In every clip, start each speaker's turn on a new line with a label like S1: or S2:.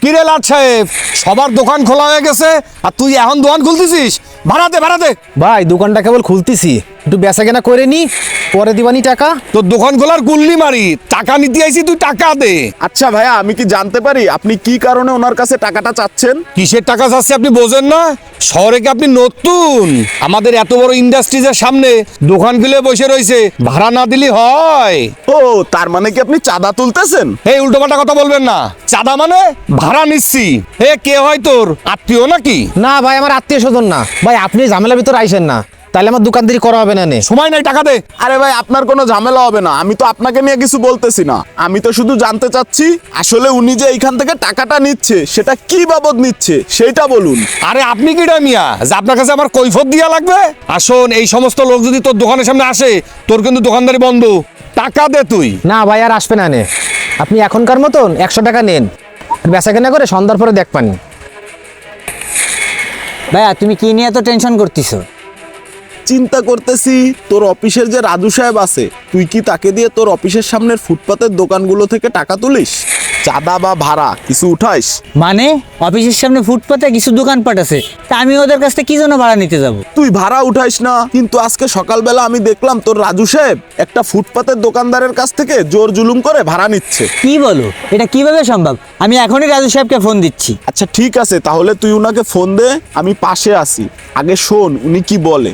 S1: কিরে লাট সাহেব, সবার দোকান খোলা হয়ে গেছে আর তুই এখন দোকান খুলতেছিস? ভাড়াতে ভাড়াতে
S2: ভাই দোকানটা কেবল খুলতেছি, একটু বেচা কেনা করে নি, পরে দিবানি টাকা।
S1: তোর দোকান খোলার গুল্লি মারি, টাকা নিতে আইছি, তুই টাকা দে।
S3: আচ্ছা ভাইয়া, আমি কি জানতে পারি আপনি কি কারণে ওনার কাছে টাকাটা চাচ্ছেন?
S1: কিসের টাকা চাচ্ছে আপনি বোঝেন না? শহরে কি আপনি নতুন? আমাদের এত বড় ইন্ডাস্ট্রিজের সামনে দোকান খুলে বসে রয়েছে, ভাড়া না দিলে হয়?
S3: ও, তার মানে কি আপনি চাঁদা তুলতেছেন?
S1: এই উল্টোপাল্টা কথা বলবেন না। চাঁদা মানে? ভাড়া নিচ্ছি। কে হয় তোর আত্মীয় নাকি?
S2: না ভাই, আমার আত্মীয় স্বজন না ভাই, আপনি ঝামেলার ভিতর আইসেন না, তাহলে আমার দোকানদারি করা হবে না নে।
S1: সময় নাই, টাকা দে।
S3: আরে ভাই, আপনার কোনো ঝামেলা হবে না, আমি তো আপনাকে নিয়ে কিছু বলতেছি না, আমি তো শুধু জানতে চাচ্ছি আসলে উনি যে এইখান থেকে টাকাটা নিচ্ছে সেটা কি বাবদ নিচ্ছে সেইটা বলুন।
S1: আরে আপনি কি মিয়া যে আপনার কাছে আমার কৈফত দিয়া লাগবে? আসুন, এই সমস্ত লোক যদি তোর দোকানের সামনে আসে, তোর কিন্তু দোকানদারি বন্ধ। টাকা দে তুই।
S2: না ভাই, আর আসবে না নে, আপনি এখনকার মতন 100 টাকা নেন, বেচা কেনা করে সন্ধ্যার পরে দেখ পানি।
S4: ভাইয়া তুমি কি নিয়ে এত টেনশন করতেছো?
S3: চিন্তা করতেছি তোর অফিসের যে রাজু সাহেব আছে, তুই কি তাকে দিয়ে তোর অফিসের সামনের ফুটপাতের দোকানগুলো থেকে টাকা তুলিস? চাঁদা বা ভাড়া কিছু উঠাইস?
S4: মানে অফিসের সামনে ফুটপাতে কিছু দোকানপাট আছে, তা আমি ওদের কাছ থেকে কি জন্য ভাড়া নিতে যাব?
S3: তুই ভাড়া উঠাইস না, কিন্তু আজকে সকালবেলা আমি দেখলাম তোর রাজু সাহেব একটা ফুটপাতের দোকানদারের কাছ থেকে জোর জুলুম করে ভাড়া নিচ্ছে।
S4: কি বলো, এটা কিভাবে সম্ভব? আমি এখনই রাজু সাহেবকে ফোন দিচ্ছি।
S3: আচ্ছা ঠিক আছে, তাহলে তুই উনাকে ফোন দে, আমি পাশে আছি, আগে শোন উনি কি বলে।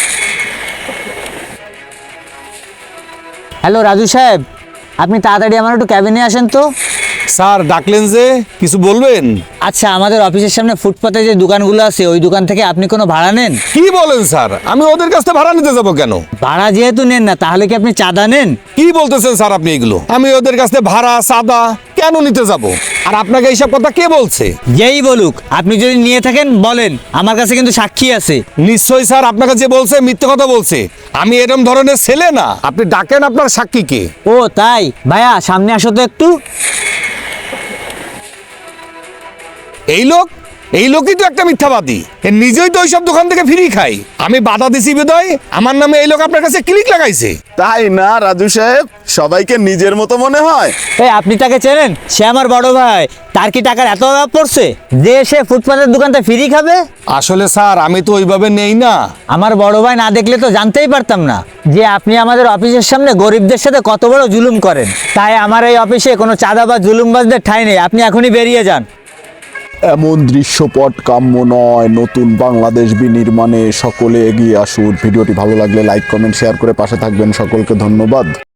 S4: হ্যালো রাজু সাহেব, আপনি তাড়াতাড়ি আমার একটু ক্যাবিনে আসেন তো।
S1: স্যার ডাকলেন যে, কিছু বলবেন?
S4: আচ্ছা, আমাদের অফিসের সামনে ফুটপাতে যে দোকানগুলো আছে ওই দোকান থেকে আপনি কোনো ভাড়া নেন?
S1: কি বলেন স্যার? আমি ওদের কাছ থেকে ভাড়া নিতে যাবো কেন?
S4: ভাড়া যেহেতু নেন না, তাহলে কি আপনি চাঁদা নেন?
S1: কি বলতেছেন স্যার আপনি এগুলো? আমি ওদের কাছ থেকে ভাড়া চাঁদা কেন নিতে যাব? আর আপনাকে এইসব কথা কে বলছে?
S4: যেই বলুক, আপনি যদি নিয়ে থাকেন বলেন, আমার কাছে কিন্তু সাক্ষী আছে।
S1: নিশ্চয়ই স্যার, আপনাকে যে বলছে মিথ্যে কথা বলছে। আমি এরকম ধরনের ছেলে না। আপনি ডাকেন আপনার সাক্ষীকে।
S4: ও তাই? ভাইয়া সামনে আসো তো একটু।
S1: এই লোকই তো একটা মিথ্যাবাদী। এ নিজেই তো ওইসব দোকান থেকে ফ্রি খাই। আমি বাধা দিছি বিদায় আমার নামে এই লোক আপনার কাছে ক্লিক লাগাইছে।
S3: তাই না রাজু সাহেব? সবাইকে নিজের মতো মনে হয়।
S4: এই আপনি তাকে চেনেন? সে আমার বড় ভাই। তার কি টাকার এত অভাব পড়ছে যে সে ফুটপাতের দোকানটা ফ্রি খাবে?
S1: আসলে স্যার আমি তো ওইভাবে নেই না।
S4: আমার বড় ভাই না দেখলে তো জানতেই পারতাম না যে আপনি আমাদের অফিসের সামনে গরিবদের সাথে কত বড় জুলুম করেন। তাই আমার এই অফিসে কোনো চাঁদা বা জুলুমবাজদের ঠাঁই নেই। আপনি এখনই বেরিয়ে যান।
S3: এমন দৃশ্যপট কাম্য নয়। নতুন বাংলাদেশ বিনির্মাণে সকলে এগিয়ে আসুন। ভিডিওটি ভালো লাগলে লাইক কমেন্ট শেয়ার করে পাশে থাকবেন। সকলকে ধন্যবাদ।